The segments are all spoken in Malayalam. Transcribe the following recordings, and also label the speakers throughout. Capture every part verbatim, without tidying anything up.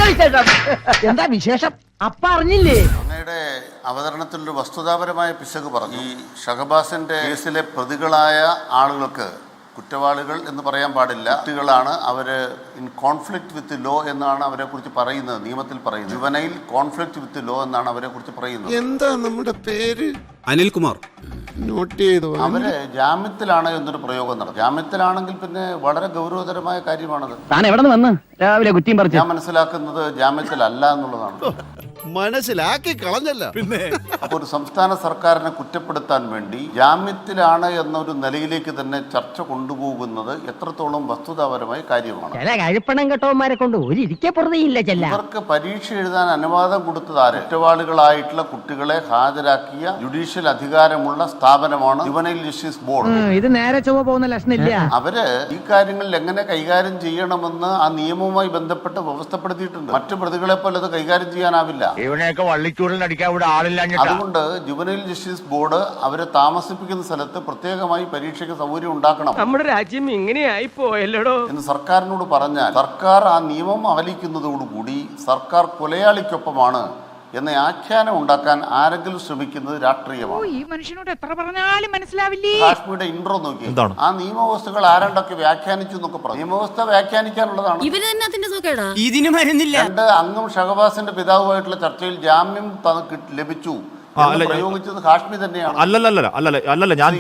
Speaker 1: എന്താ വിശേഷം? അപ്പ അറിഞ്ഞില്ലേ?
Speaker 2: അങ്ങയുടെ അവതരണത്തിൽ ഒരു വസ്തുതാപരമായ പിശക് പറഞ്ഞു. ഈ ഷഹബാസിന്റെ കേസിലെ പ്രതികളായ ആളുകൾക്ക് കുറ്റവാളികൾ എന്ന് പറയാൻ പാടില്ല, കുട്ടികളാണ് അവര് ഇൻ കോൺഫ്ലിക്റ്റ് വിത്ത് ലോ എന്നാണ് അവരെ കുറിച്ച് പറയുന്നത്, നിയമത്തിൽ പറയുന്നത്. ജുവനൈൽ കോൺഫ്ലിക്റ്റ് വിത്ത് ലോ എന്നാണ് അവരെ കുറിച്ച് പറയുന്നത്.
Speaker 3: എന്താ നമ്മുടെ പേര്?
Speaker 4: അനിൽകുമാർ.
Speaker 3: നോട്ട് ചെയ്തു.
Speaker 2: അവര് ജാമ്യത്തിലാണ് എന്നൊരു പ്രയോഗം നടത്തും. ജാമ്യത്തിലാണെങ്കിൽ പിന്നെ വളരെ ഗൗരവതരമായ കാര്യമാണത്.
Speaker 1: താൻ എവിടെ നിന്ന് വന്ന് രാവിലെ കുറ്റിയും പറിച്ചു?
Speaker 2: ഞാൻ മനസ്സിലാക്കുന്നത് ജാമ്യത്തിലല്ല എന്നുള്ളതാണ്.
Speaker 3: മനസ്സിലാക്കി കളഞ്ഞല്ല. പിന്നെ
Speaker 2: അപ്പൊ ഒരു സംസ്ഥാന സർക്കാരിനെ കുറ്റപ്പെടുത്താൻ വേണ്ടി ജാമ്യത്തിലാണ് എന്നൊരു നിലയിലേക്ക് തന്നെ ചർച്ച കൊണ്ടുപോകുന്നത് എത്രത്തോളം വസ്തുതാപരമായ കാര്യമാണ്.
Speaker 1: ചില കഴിപ്പണം കെട്ടവന്മാരെ കൊണ്ട് ഒരു ഇരിക്കെ പുറതെയില്ല. ചെല്ല
Speaker 2: ഇവർക്ക് പരീക്ഷ എഴുതാൻ അനുവാദം കൊടുത്തത് ആര്? കുറ്റവാളികളായിട്ടുള്ള കുട്ടികളെ ഹാജരാക്കിയ ജുഡീഷ്യൽ അധികാരമുള്ള സ്ഥാപനമാണ് ജുവനൈൽ ജസ്റ്റിസ് ബോർഡ്.
Speaker 1: ഇത് നേരെ ചൊവ്വ പോകുന്ന ലക്ഷണില്ല.
Speaker 2: അവര് ഈ കാര്യങ്ങളിൽ എങ്ങനെ കൈകാര്യം ചെയ്യണമെന്ന് ആ നിയമവുമായി ബന്ധപ്പെട്ട് വ്യവസ്ഥപ്പെടുത്തിയിട്ടുണ്ട്. മറ്റു പ്രതികളെ പോലെ അത് കൈകാര്യം ചെയ്യാനാവില്ല.
Speaker 5: ഇവനെയൊക്കെ വള്ളിച്ചൂടിൽ അടിക്കാൻ ഇവിടെ ആളില്ല.
Speaker 2: അതുകൊണ്ട് ജുവനൈൽ ജസ്റ്റിസ് ബോർഡ് അവരെ താമസിപ്പിക്കുന്ന സ്ഥലത്ത് പ്രത്യേകമായി പരീക്ഷയ്ക്ക് സൗകര്യം ഉണ്ടാക്കണം.
Speaker 6: നമ്മുടെ രാജ്യം ഇങ്ങനെയായി പോയല്ലോ
Speaker 2: എന്ന് സർക്കാരിനോട് പറഞ്ഞാൽ സർക്കാർ ആ നിയമം അവലിക്കുന്നതോടുകൂടി സർക്കാർ കൊലയാളിക്കൊപ്പമാണ് എന്ന ആഖ്യാനം ഉണ്ടാക്കാൻ ആരെങ്കിലും ശ്രമിക്കുന്നത് രാഷ്ട്രീയമാണ്.
Speaker 6: ഈ മനുഷ്യനോട് എത്ര പറഞ്ഞാലും മനസ്സിലാവില്ലേ.
Speaker 2: കാശ്മീരുടെ ഇൻട്രോ നോക്കി ആ നിയമവ്യവസ്ഥകൾ ആരാണ്ടൊക്കെ വ്യാഖ്യാനിച്ചു എന്നൊക്കെ പറഞ്ഞു. നിയമവ്യവസ്ഥ വ്യാഖ്യാനിക്കാനുള്ളതാണ്. രണ്ട് അംഗം ഷഹബാസിന്റെ പിതാവുമായിട്ടുള്ള ചർച്ചയിൽ ജാമ്യം ലഭിച്ചു പ്രയോഗിച്ചത് ഹാഷ്മി തന്നെയാണ്.
Speaker 7: അല്ലല്ല അല്ലല്ല അല്ലല്ല ഞാൻ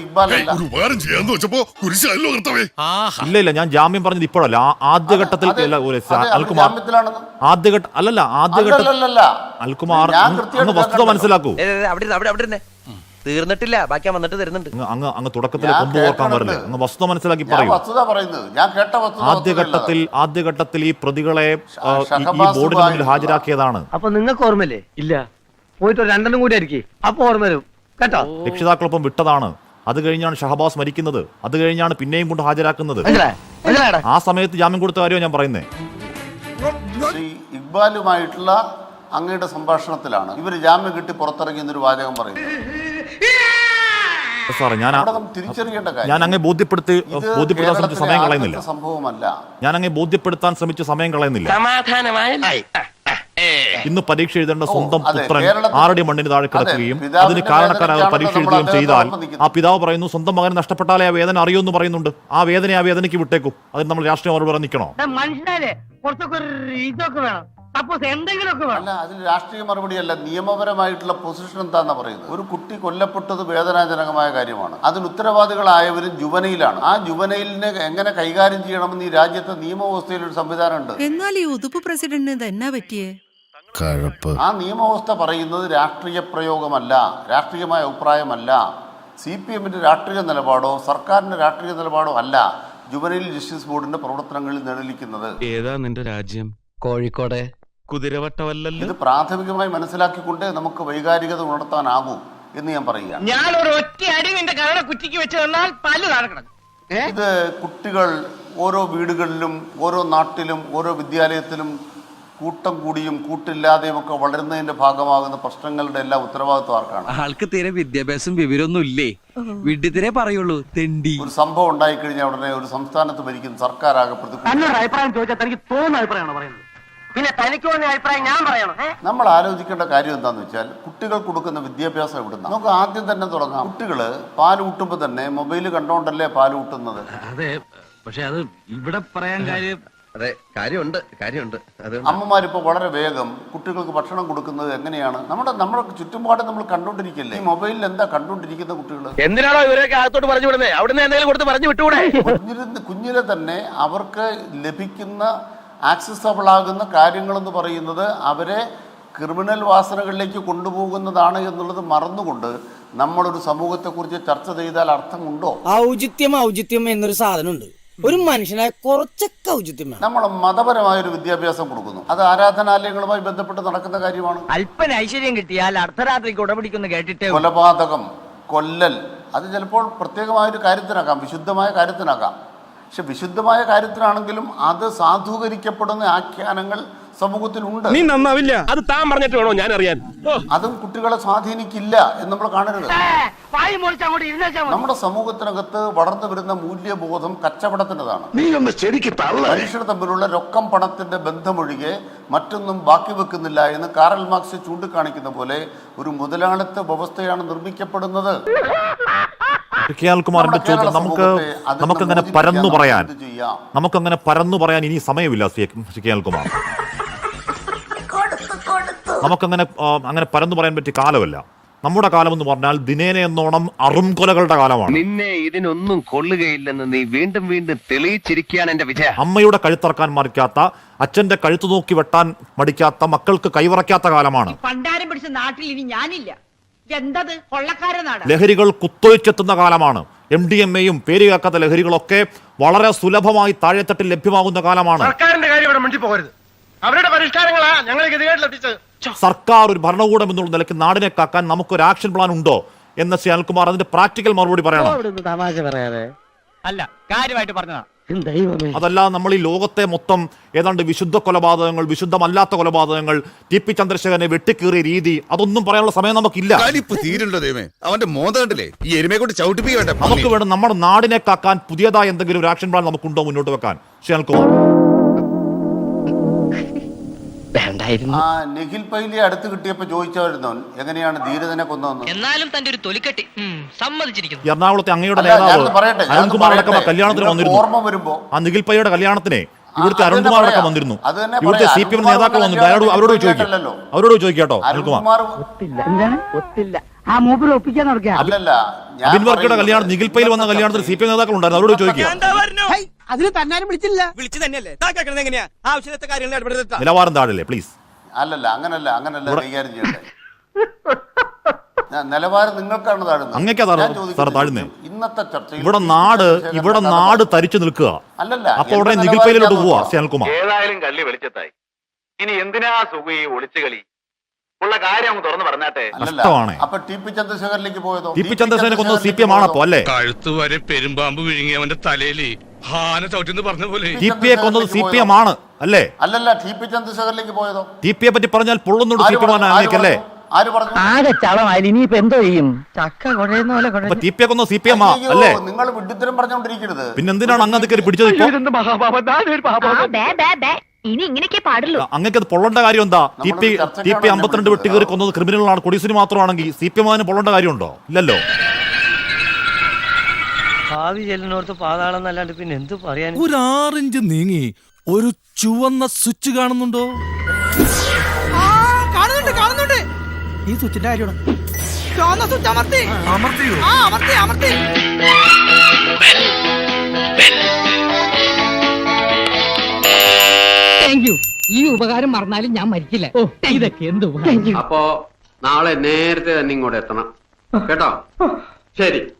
Speaker 7: ഇല്ല ഇല്ല ഞാൻ ജാമ്യം പറഞ്ഞത് ഇപ്പോഴല്ല, ആദ്യഘട്ടത്തിൽ അൽകുമാർ ആദ്യഘട്ട അല്ലല്ല ആദ്യഘട്ട അൽകുമാർ അങ്ങ് വസ്തുത മനസ്സിലാക്കൂ.
Speaker 8: തീർന്നിട്ടില്ല, ബാക്കി വന്നിട്ട് തരുന്നുണ്ട്.
Speaker 7: അങ്ങ് അങ്ങ് തുടക്കത്തിൽ കൊമ്പ് ഓർക്കാൻ വരില്ലേ? അങ്ങ് വസ്തുത മനസ്സിലാക്കി പറയൂ. ആദ്യഘട്ടത്തിൽ ആദ്യഘട്ടത്തിൽ ഈ പ്രതികളെ ഈ ബോർഡിന് മുന്നിൽ ഹാജരാക്കിയതാണ്.
Speaker 1: അപ്പൊ നിങ്ങൾക്ക് ഓർമ്മയില്ലേ? ഇല്ല, പോയിട്ട് രണ്ടെണ്ണം കൂടി ആയിരിക്കും. അപ്പൊ ഓർമ്മ വരും കേട്ടോ.
Speaker 7: രക്ഷിതാക്കളൊപ്പം വിട്ടതാണ്. അത് കഴിഞ്ഞാണ് ഷഹബാസ് മരിക്കുന്നത്. അത് കഴിഞ്ഞാണ് പിന്നെയും കൊണ്ട് ഹാജരാക്കുന്നത്. ആ സമയത്ത് ജാമ്യം കൊടുത്ത കാര്യമാണ് ഞാൻ പറയുന്നത്.
Speaker 2: ശ്രീ ഇക്ബാലുമായിട്ടുള്ള അങ്ങയുടെ സംഭാഷണത്തിലാണ് ഇവര് ജാമ്യം കിട്ടി പുറത്തിറങ്ങി എന്നൊരു വാചകം പറയുന്നത്.
Speaker 7: സാറേ ഞാൻ
Speaker 2: തിരിച്ചറിയേണ്ട കാര്യം,
Speaker 7: ഞാൻ അങ്ങേ ബോധ്യപ്പെടുത്തി ബോധ്യപ്പെടുത്താൻ ശ്രമിച്ച സമയം കളയുന്നില്ല.
Speaker 2: സംഭവമല്ല,
Speaker 7: ഞാൻ അങ്ങേ ബോധ്യപ്പെടുത്താൻ ശ്രമിച്ച സമയം കളയുന്നില്ല. ഇന്ന് പരീക്ഷ എഴുതേണ്ട സ്വന്തം പുത്രൻ ആറടി മണ്ണിന് താഴെ കിടക്കുകയും അതിന് കാരണക്കാരായ പരീക്ഷ എഴുതുകയും ചെയ്താൽ ആ പിതാവ് പറയുന്നു സ്വന്തം മകൻ നഷ്ടപ്പെട്ടാലേ ആ വേദന അറിയുമെന്ന് പറയുന്നുണ്ട്. ആ വേദന ആ വേദനയ്ക്ക് വിട്ടേക്കും. അതിന് നമ്മൾ രാഷ്ട്രീയ മറുപടി നിൽക്കണോ?
Speaker 2: അല്ല, അതിന് രാഷ്ട്രീയ മറുപടിയല്ല, നിയമപരമായിട്ടുള്ള പൊസിഷൻ എന്താന്ന് പറയുന്നത്. ഒരു കുട്ടി കൊല്ലപ്പെട്ടത് വേദനാജനകമായ കാര്യമാണ്. അതിന് ഉത്തരവാദികളായവരും ജുവനയിലാണ്. ആ ജുവനയിലിനെ എങ്ങനെ കൈകാര്യം ചെയ്യണമെന്ന് ഈ രാജ്യത്തെ നിയമവ്യവസ്ഥയിൽ ഒരു സംവിധാനമുണ്ട്.
Speaker 9: എന്നാൽ ഈ ഉതുപ്പ് പ്രസിഡന്റിന് എന്നാ പറ്റിയേ?
Speaker 2: ആ നിയമവ്യവസ്ഥ പറയുന്നത് രാഷ്ട്രീയ പ്രയോഗമല്ല, രാഷ്ട്രീയമായ അഭിപ്രായമല്ല, സി പി എമ്മിന്റെ രാഷ്ട്രീയ നിലപാടോ സർക്കാരിന്റെ രാഷ്ട്രീയ നിലപാടോ അല്ല ജുവനൈൽ ജസ്റ്റിസ് ബോർഡിന്റെ പ്രവർത്തനങ്ങളിൽ നിഴലിക്കുന്നത്.
Speaker 4: ഏതാ നിന്റെ രാജ്യം?
Speaker 8: കോഴിക്കോട്.
Speaker 4: കുതിരവട്ടമല്ലല്ലോ.
Speaker 2: ഇത് പ്രാഥമികമായി മനസ്സിലാക്കിക്കൊണ്ട് നമുക്ക് വൈകാരികത ഉണർത്താനാകൂ എന്ന് ഞാൻ പറയുക.
Speaker 6: ഞാൻ ഒരു ഒറ്റ അടി നിന്റെ കരടെ കുറ്റിക്ക് വെച്ച് തന്നാൽ പല്ല് താഴെ.
Speaker 2: ഇത് കുട്ടികൾ ഓരോ വീടുകളിലും ഓരോ നാട്ടിലും ഓരോ വിദ്യാലയത്തിലും കൂട്ടം കൂടിയും കൂട്ടില്ലാതെയും ഒക്കെ വളരുന്നതിന്റെ ഭാഗമാകുന്ന പ്രശ്നങ്ങളുടെ എല്ലാ ഉത്തരവാദിത്വം ആർക്കാണ്?
Speaker 8: ആൾക്ക് തീരെ വിദ്യാഭ്യാസം വിവരമൊന്നും ഇല്ലേ, വിഡ്ഢിത്തിരെ പറയുള്ളൂ, തെണ്ടി.
Speaker 2: ഒരു സംഭവം ഉണ്ടായിക്കഴിഞ്ഞാൽ ഉടനെ ഒരു സംസ്ഥാനത്ത് ഭരിക്കുന്ന സർക്കാർ ആകെ
Speaker 1: അഭിപ്രായം ചോദിച്ചാൽ തനിക്ക് തോന്നുന്ന അഭിപ്രായമാണ് പറയുന്നത്. പിന്നെ തനിക്ക് തോന്നിയ അഭിപ്രായം ഞാൻ പറയണം.
Speaker 2: നമ്മൾ ആലോചിക്കേണ്ട കാര്യം എന്താണെന്ന് വെച്ചാൽ കുട്ടികൾ കൊടുക്കുന്ന വിദ്യാഭ്യാസം എവിടുന്ന? നമുക്ക് ആദ്യം തന്നെ തുടങ്ങാം. കുട്ടികള് പാല് ഊട്ടുമ്പോൾ തന്നെ മൊബൈല് കണ്ടോണ്ടല്ലേ പാല് ഊട്ടുന്നത്.
Speaker 5: അതെ, പക്ഷെ അത് ഇവിടെ പറയാൻ കാര്യം.
Speaker 8: അതെ, കാര്യമുണ്ട് കാര്യമുണ്ട്
Speaker 2: അമ്മമാരിപ്പോ വളരെ വേഗം കുട്ടികൾക്ക് ഭക്ഷണം കൊടുക്കുന്നത് എങ്ങനെയാണ്? നമ്മുടെ നമ്മുടെ ചുറ്റുപാട് നമ്മൾ കണ്ടോണ്ടിരിക്കല്ലേ. ഈ മൊബൈലിൽ എന്താ കണ്ടോണ്ടിരിക്കുന്ന കുട്ടികൾ?
Speaker 5: എന്തിനാണോ ഇവരൊക്കെ അകത്തോട്ട് പറഞ്ഞു വിടുന്നത്? അവിടുന്ന് എന്തെങ്കിലും കൊടുത്ത് പറഞ്ഞു വിട്ടുകൂടെ?
Speaker 2: കുഞ്ഞിരുന്ന് കുഞ്ഞിലെ തന്നെ അവർക്ക് ലഭിക്കുന്ന ആക്സസബിൾ ആകുന്ന കാര്യങ്ങളെന്ന് പറയുന്നത് അവരെ ക്രിമിനൽ വാസനകളിലേക്ക് കൊണ്ടുപോകുന്നതാണ് എന്നുള്ളത് മറന്നുകൊണ്ട് നമ്മളൊരു സമൂഹത്തെക്കുറിച്ച് ചർച്ച ചെയ്താൽ അർത്ഥമുണ്ടോ?
Speaker 10: ഔചിത്യം ഔചിത്യം എന്നൊരു സാധനമുണ്ട്. ഒരു മനുഷ്യനായ കുറച്ചൊക്കെ ഔചിത്യം.
Speaker 2: നമ്മൾ മതപരമായ ഒരു വിദ്യാഭ്യാസം കൊടുക്കുന്നു. അത് ആരാധനാലയങ്ങളുമായി ബന്ധപ്പെട്ട് നടക്കുന്ന കാര്യമാണ്.
Speaker 1: അല്പന ഐശ്വര്യം കിട്ടിയാൽ അർദ്ധരാത്രിക്ക് ഉടപിടിക്കുന്നു കേട്ടിട്ട്.
Speaker 2: കൊലപാതകം, കൊല്ലൽ, അത് ചിലപ്പോൾ പ്രത്യേകമായൊരു കാര്യത്തിനാക്കാം, വിശുദ്ധമായ കാര്യത്തിനാക്കാം. പക്ഷെ വിശുദ്ധമായ കാര്യത്തിനാണെങ്കിലും അത് സാധൂകരിക്കപ്പെടുന്ന ആഖ്യാനങ്ങൾ സമൂഹത്തിൽ ഉണ്ട്.
Speaker 5: നീ നന്നാവില്ല. അത് താൻ പറഞ്ഞിട്ട് വേണോ ഞാൻ അറിയാൻ?
Speaker 2: അതും കുട്ടികളെ സ്വാധീനിക്കില്ല എന്ന് നമ്മൾ കാണരുത്. നമ്മുടെ സമൂഹത്തിനകത്ത് വളർന്നു വരുന്ന മൂല്യബോധം കച്ചവടത്തിൻ്റെതാണ്. മനുഷ്യർ തമ്മിലുള്ള രൊക്കം പണത്തിന്റെ ബന്ധമൊഴികെ മറ്റൊന്നും ബാക്കി വെക്കുന്നില്ല എന്ന് കാറൽ മാർക്സ് ചൂണ്ടിക്കാണിക്കുന്ന പോലെ ഒരു മുതലാളിത്ത വ്യവസ്ഥയാണ് നിർമ്മിക്കപ്പെടുന്നത്.
Speaker 7: കുമാറിന്റെ ചോദ്യം നമുക്ക് നമുക്കങ്ങനെ പരന്നു പറയാൻ നമുക്കങ്ങനെ പരന്നു പറയാൻ ഇനി സമയമില്ല. കുമാർ, നമുക്കങ്ങനെ അങ്ങനെ പരന്നു പറയാൻ പറ്റിയ കാലമല്ല. നമ്മുടെ കാലം എന്ന് പറഞ്ഞാൽ ദിനേന എന്നോണം അറുംകൊലകളുടെ കാലമാണ്.
Speaker 5: നിന്നെ ഇതിനൊന്നും കൊള്ളുകയില്ലെന്ന് നീ വീണ്ടും വീണ്ടും തെളിയിച്ചിരിക്കുകയാണ് എന്റെ വിജയ.
Speaker 7: അമ്മയുടെ കഴുത്തറക്കാൻ മടിക്കാത്ത, അച്ഛന്റെ കഴുത്തു നോക്കി വെട്ടാൻ മടിക്കാത്ത, മക്കൾക്ക് കൈവറക്കാത്ത കാലമാണ്.
Speaker 6: പണ്ടാരം പിടിച്ച നാട്ടിൽ ഇനി ഞാനില്ല. എന്തത് കൊള്ളക്കാരനാണ്.
Speaker 7: ലഹരികൾ കുത്തൊഴിച്ചെത്തുന്ന കാലമാണ്. എം ഡി എം എയും പേര് കേൾക്കാത്ത ലഹരികളൊക്കെ വളരെ സുലഭമായി താഴെത്തട്ടിൽ ലഭ്യമാകുന്ന കാലമാണ്.
Speaker 5: സർക്കാരിന്റെ കാര്യം ഇവിടെ മുന്നിൽ പോകരുത്. അവരുടെ പരിഷ്കാരങ്ങളാ ഞങ്ങൾ ഗതികേട്ടിലെത്തിച്ചത്.
Speaker 7: സർക്കാർ ഒരു ഭരണകൂടം എന്നുള്ള നിലയ്ക്ക് നാടിനെ കാക്കാൻ നമുക്കൊരു ആക്ഷൻ പ്ലാൻ ഉണ്ടോ എന്ന് ശ്രീ അനിൽകുമാർ അതിന്റെ പ്രാക്ടിക്കൽ മറുപടി പറയണം.
Speaker 1: തമാശ പറയാതെ
Speaker 6: അല്ല, കാര്യമായിട്ട് പറഞ്ഞതാ.
Speaker 7: അതല്ല, നമ്മൾ ഈ ലോകത്തെ മൊത്തം ഏതാണ്ട് വിശുദ്ധ കൊലപാതകങ്ങൾ, വിശുദ്ധമല്ലാത്ത കൊലപാതകങ്ങൾ, ടി പി ചന്ദ്രശേഖരനെ വെട്ടിക്കേറിയ രീതി, അതൊന്നും പറയാനുള്ള സമയം നമുക്കില്ല.
Speaker 3: അവന്റെ മോതണ്ടല്ലേ ഈ എരുമയെ കൊണ്ട് ചവിട്ടിപ്പിക്കട്ടെ.
Speaker 7: നമുക്ക് വേണം നമ്മുടെ നാടിനെ കാക്കാൻ പുതിയതായ എന്തെങ്കിലും ഒരു ആക്ഷൻ പ്ലാൻ നമുക്കുണ്ടോ മുന്നോട്ട് വെക്കാൻ? ശ്രീ അനിൽകുമാർ,
Speaker 2: ആ നിഖിൽ പൈലിയെ അടുത്ത് കിട്ടിയപ്പോ ചോദിച്ചായിരുന്നു എങ്ങനെയാണ് ധീരതനെ കൊന്നതെന്ന്.
Speaker 6: എന്നാലും തന്റെ ഒരു തൊലിക്കെട്ടി സമ്മതിച്ചിരിക്കുന്നു.
Speaker 7: എറണാകുളത്തെ അങ്ങയുടെ നേതാവ് അരുൺകുമാർ അടക്കം കല്യാണത്തിന് വന്നിരുന്നു.
Speaker 2: ഓർമ്മ വരുമ്പോ
Speaker 7: ആ നിഖിൽ പൈയുടെ കല്യാണത്തിന് ഇവിടുത്തെ അരുൺകുമാർ അടക്കം വന്നിരുന്നു. ഇവിടുത്തെ സി പി എം നേതാക്കൾ വന്നിരുന്നു. അവരോട് അവരോട് ചോദിക്കാം അവരോട് ചോദിക്കാട്ടോ അരുൺകുമാർ. അബിൻ വർക്കിയുടെ കല്യാണം, നിഖിൽ പൈൽ വന്ന കല്യാണത്തിന് സി പി എം നേതാക്കൾ ഉണ്ടായിരുന്നു. അവരോട് ചോദിക്കാം.
Speaker 6: അതിന് തന്നാരും വിളിച്ചില്ല.
Speaker 5: വിളിച്ചു തന്നെയല്ലേ എങ്ങനെയാ ആവശ്യത്തെ കാര്യങ്ങൾ
Speaker 7: നിലവാരം താഴല്ലേ പ്ലീസ്.
Speaker 2: അല്ലല്ല അങ്ങനല്ല അങ്ങനല്ല കൈകാര്യം ചെയ്യണ്ടേ. നിലവാരം നിങ്ങൾക്കാണ് താഴുന്നത്. ഇന്നത്തെ ചർച്ച
Speaker 7: ഇവിടെ നാട് ഇവിടെ നാട് തരിച്ചു നിൽക്കുക.
Speaker 2: അല്ലല്ല,
Speaker 7: അപ്പൊ ഉടനെ നിഖിൽ പൈലിലോട്ട് പോവാ ശ്രീ അനിൽകുമാർ.
Speaker 5: ഏതായാലും കള്ളി വെളിച്ചത്തായി. ഇനി എന്തിനാ സുഖ ഈ ഒളിച്ചു കളി? ഉള്ള കാര്യം അങ്ങ് തുറന്നു പറഞ്ഞാട്ടെ.
Speaker 2: അപ്പൊ ടി പി ചന്ദ്രശേഖരനിലേക്ക് പോയതോ?
Speaker 7: ടി പി ചന്ദ്രശേഖരനെ കൊന്നത് സി പി എം ആണപ്പോ അല്ലേ?
Speaker 4: കഴുത്ത് വരെ പെരുമ്പാമ്പ് വിഴുങ്ങി അവന്റെ തലയിൽ ഹാന ചവിട്ടിന്ന് പറഞ്ഞ പോലെ
Speaker 7: ടി പി എ കൊന്നത് സി പി എം ആണ് അല്ലേ?
Speaker 2: അല്ലല്ല, ടി പി ചന്ദ്രശേഖരനിലേക്ക് പോയതോ?
Speaker 7: ടി പി എ പറ്റി പറഞ്ഞാൽ പൊള്ളുന്നുണ്ട് സി പി എം അല്ലേ?
Speaker 2: ആര് പറഞ്ഞു?
Speaker 1: ആകെ ചളമായി. ഇനിയിപ്പോ എന്തോ ചെയ്യും? ചക്ക കുഴയുന്ന പോലെ.
Speaker 7: ടി പി എ കൊന്നത് സി പി എം അല്ലേ?
Speaker 2: നിങ്ങൾ വിഡ്ഢിത്തരം പറഞ്ഞുകൊണ്ടിരിക്കരുത്.
Speaker 7: പിന്നെ എന്തിനാണ് അങ്ങ് അതൊക്കെ പിടിച്ചത്?
Speaker 6: ഇനി ഇങ്ങനെയൊക്കെ പാടുള്ളൂ.
Speaker 7: അങ്ങക്ക് അത് പൊള്ളേണ്ട കാര്യം എന്താ? ടി പി ടി പി അമ്പത്തിരണ്ട് വെട്ടി കയറി കൊന്നത് ക്രിമിനലാണ്. കൊടിസിന് മാത്രമാണെങ്കിൽ സി പി എം അതിന് പൊള്ളേണ്ട കാര്യമുണ്ടോ? ഇല്ലല്ലോ.
Speaker 1: ഭാവി ചെല്ലിനോർത്ത് പാതാളം എന്നല്ലാണ്ട് പിന്നെ എന്ത് പറയാൻ?
Speaker 3: ഒരു ആറിഞ്ച് നീങ്ങി ഒരു ചുവന്ന സ്വിച്ച് കാണുന്നുണ്ടോ?
Speaker 6: കാണുന്നുണ്ട് കാണുന്നുണ്ട്. ഈ സ്വിച്ചിന്റെ കാര്യമാണ്. ചുവന്ന സ്വിച്ച് അമർത്തി അമർത്തിയോ? ആ അമർത്തി അമർത്തി. Thank you. ഈ ഉപകാരം മറന്നാലും ഞാൻ മരിക്കില്ല. ഓ ഇതൊക്കെ എന്ത് ഉപകാരം.
Speaker 5: അപ്പോ നാളെ നേരത്തെ തന്നെ ഇങ്ങോട്ട് എത്തണം കേട്ടോ. ശരി.